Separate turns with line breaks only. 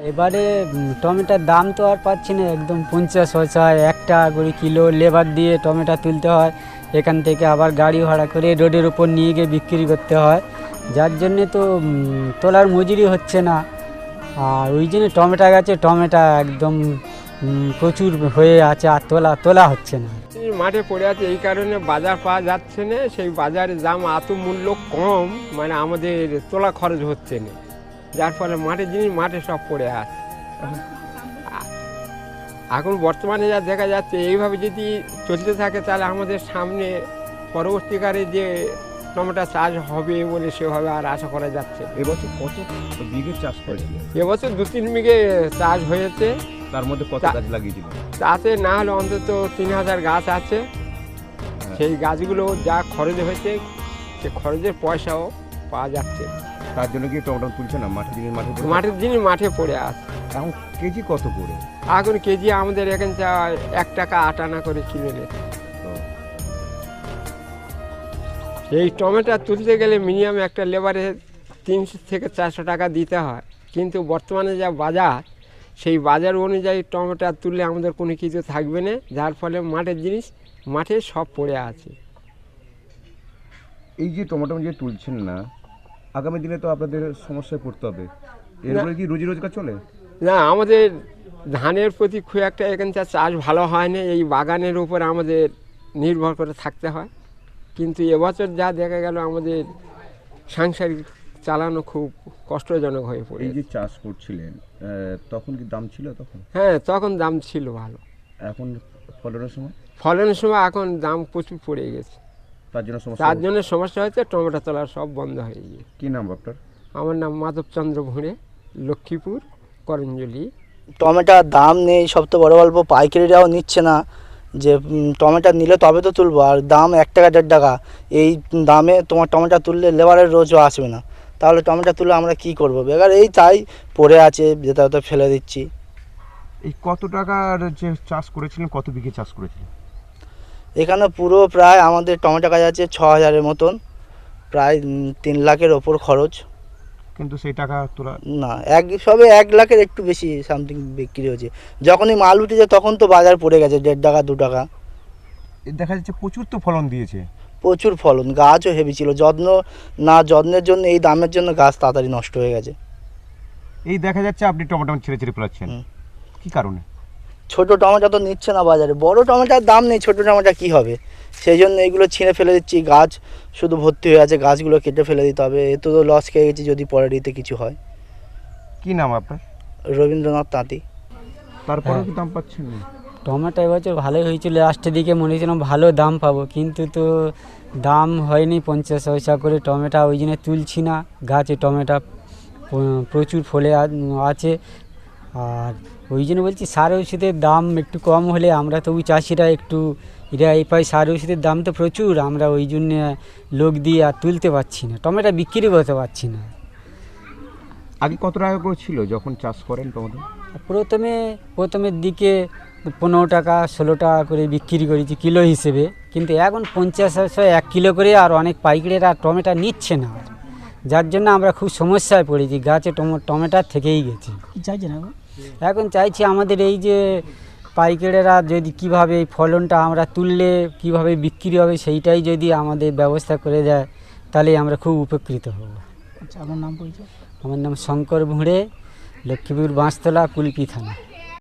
এবারে টমেটোর দাম তো আর পাচ্ছি না, একদম 50 হয় 1 টাকা করে কিলো। লেবার দিয়ে টমেটো তুলতে হয়, এখান থেকে আবার গাড়ি ভাড়া করে রোডের উপর নিয়ে গিয়ে বিক্রি করতে হয়, যার জন্যে তো তোলার মজুরি হচ্ছে না। আর ওই জন্য টমেটো গাছে টমেটো একদম প্রচুর হয়ে আছে, আর তোলা হচ্ছে না।
মাঠে পড়ে আছে এই কারণে বাজার পাওয়া যাচ্ছে না, সেই বাজারের দাম এত মূল্য কম, মানে আমাদের তোলা খরচ হচ্ছে না, যার ফলে মাঠের জিনিস মাঠে সব পড়ে আছে। এখন বর্তমানে যা দেখা যাচ্ছে এইভাবে যদি চলতে থাকে তাহলে আমাদের সামনে পরবর্তীকালে যে টমেটো চাষ হবে বলে সেভাবে আর আশা করা যাচ্ছে।
এবছর কত বিঘে চাষ করেছিল?
এবছর 2-3 বিঘে চাষ হয়েছে।
তার মধ্যে কত গাছ লাগিয়েছিল?
তাতে না হলে অন্তত 3000 গাছ আছে। সেই গাছগুলো যা খরচ হয়েছে সে খরচের পয়সাও পাওয়া যাচ্ছে।
তার জন্য কি টমেটো তুলছে না?
মাঠের জিনিস মাঠে পড়ে আছে।
এখন কেজি কত করে?
এখন কেজি আমাদের এখানে 1 টাকা 8 আনা করে কিলো নিচ্ছে। এই টমেটো তুলতে গেলে মিনিমাম একটা লেবারে 300 থেকে 400 টাকা দিতে হয়, কিন্তু বর্তমানে যা বাজার, সেই বাজার অনুযায়ী টমেটো তুললে আমাদের কোনো কিছু থাকবে না, যার ফলে মাঠের জিনিস মাঠে সব পড়ে আছে।
এই যে টমেটো যে তুলছেন না, আগামী দিনে তো আপনাদের সমস্যায় পড়তে হবে। এরপরে কি রুজি রোজগার চলে?
না, আমাদের ধানের প্রতি খুব একটা এখানকার চাষ ভালো হয় না, এই বাগানের উপর আমাদের নির্ভর করে থাকতে হয়। কিন্তু এবছর যা দেখা গেল আমাদের সাংসারিক চালানো খুব কষ্টজনক হয়ে পড়ে।
এই যে চাষ করছিলেন তখন কি দাম ছিল তখন?
হ্যাঁ, তখন দাম ছিল ভালো।
এখন ফলনের
সময় এখন দাম প্রচুর পড়ে গেছে, তার জন্য সমস্যা হয়েছে, টমেটো তোলা সব বন্ধ হয়ে গিয়ে।
কী নাম আপনার?
আমার নাম মাধবচন্দ্র ভুঁড়ে, লক্ষ্মীপুর করঞ্জলি।
টমেটোর দাম নেই, সব তো বড় গল্প, পাইকারিরাও নিচ্ছে না। যে টমেটো নিলে তবে তো তুলবো, আর দাম 1 টাকা 1.5 টাকা। এই দামে তোমার টমেটো তুললে লেবারের রোজও আসবে না, তাহলে টমেটো তুলে আমরা কি করব? বেকার এই তাই পড়ে আছে, যেটা হয়তো ফেলে দিচ্ছি।
এই কত টাকার যে চাষ করেছিলেন, কত বিঘে চাষ করেছিলেন?
এখানে পুরো প্রায় আমাদের টমেটো গাছ আছে 6000-এর মতন, প্রায় 3 লাখের ওপর খরচ।
কিন্তু সেই টাকা তোলা
না, সবে 1 লাখের একটু বেশি সামথিং বিক্রি হয়েছে। যখনই মাল উঠেছে তখন তো বাজার পড়ে গেছে 1.5 টাকা 2 টাকা।
দেখা যাচ্ছে প্রচুর তো ফলন দিয়েছে।
প্রচুর ফলন, গাছও হেভি ছিল। যত্নের জন্য এই দামের জন্য গাছ তাড়াতাড়ি নষ্ট হয়ে গেছে।
এই দেখা যাচ্ছে আপনি টমেটো ছেড়ে ফেলাচ্ছেন, কি কারণে?
ছোট টমেটো তো নিচ্ছে না বাজারে, বড় টমেটোর দাম নেই, ছোট টমেটো কী হবে? সেই জন্য এইগুলো ছিঁড়ে ফেলে দিচ্ছি। গাছ শুধু ভর্তি হয়ে আছে, গাছগুলো কেটে ফেলে দিতে হবে, এ তো লস খেয়ে গেছি যদি পরে দিতে কিছু হয়।
কি নাম আপনার?
রবীন্দ্রনাথ তাঁতি।
তারপরে কি দাম পাচ্ছেন না?
টমেটো এবছর ভালোই হয়েছিল, লাস্টের দিকে মনে হয়েছিলাম ভালো দাম পাবো, কিন্তু তো দাম হয়নি। 50 পয়সা করে টমেটো, ওই জন্য তুলছি না। গাছে টমেটো প্রচুর ফলে আছে, আর ওই জন্য বলছি সার ওষুধের দাম একটু কম হলে আমরা তবু চাষিরা একটু এই পাই। সার ওষুধের দাম তো প্রচুর, আমরা ওই জন্যে লোক দিয়ে আর তুলতে পারছি না, টমেটো বিক্রি করতে পারছি না।
আগে কত টাকা করে ছিল যখন চাষ করেন টমেটো?
প্রথমের দিকে 15 টাকা 16 টাকা করে বিক্রি করেছি কিলো হিসেবে, কিন্তু এখন 50 1 কিলো করে, আর অনেক পাইকারেরা টমেটো নিচ্ছে না, যার জন্য আমরা খুব সমস্যায় পড়েছি। গাছে টমেটো থেকেই গেছে।
কি চাইছেন
এখন চাইছি আমাদের এই যে পাইকারেরা যদি কিভাবে এই ফলনটা আমরা তুললে কিভাবে বিক্রি হবে, সেইটাই যদি আমাদের ব্যবস্থা করে দেয় তাহলে আমরা খুব উপকৃত হব।
আচ্ছা, আপনার নাম পরিচয়?
আমার নাম শঙ্কর ভুঁড়ে, লক্ষ্মীপুর বাঁশতলা, কুলপি থানা।